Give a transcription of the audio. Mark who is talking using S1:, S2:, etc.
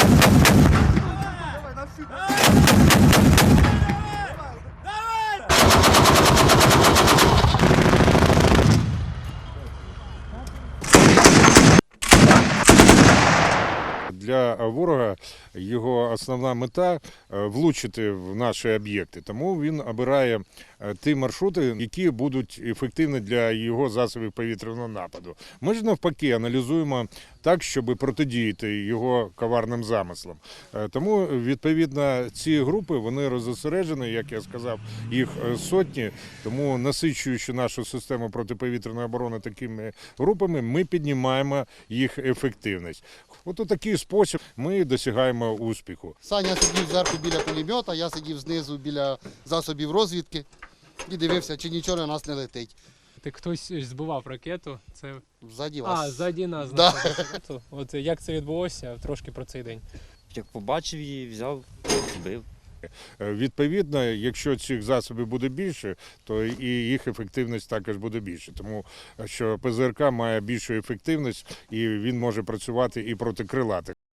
S1: Для ворога його основна мета – влучити в наші об'єкти. Тому він обирає ті маршрути, які будуть ефективні для його засобів повітряного нападу. Ми ж навпаки аналізуємо так, щоб протидіяти його коварним замислам. Тому, відповідно, ці групи, вони розосереджені, як я сказав, їх сотні. Тому, насичуючи нашу систему протиповітряної оборони такими групами, ми піднімаємо їх ефективність. От у такий спосіб ми досягаємо успіху.
S2: Саня сидів зверху біля пулемета, я сидів знизу біля засобів розвідки і дивився, чи нічого на нас не летить.
S3: Хтось збивав ракету, це
S2: Ззаді вас.
S3: ззаді нас.
S2: Да.
S3: От як це відбулося, трошки про цей день.
S4: Як побачив її, взяв, збив.
S1: Відповідно, якщо цих засобів буде більше, то і їх ефективність також буде більше. Тому що ПЗРК має більшу ефективність і він може працювати і проти крилатих.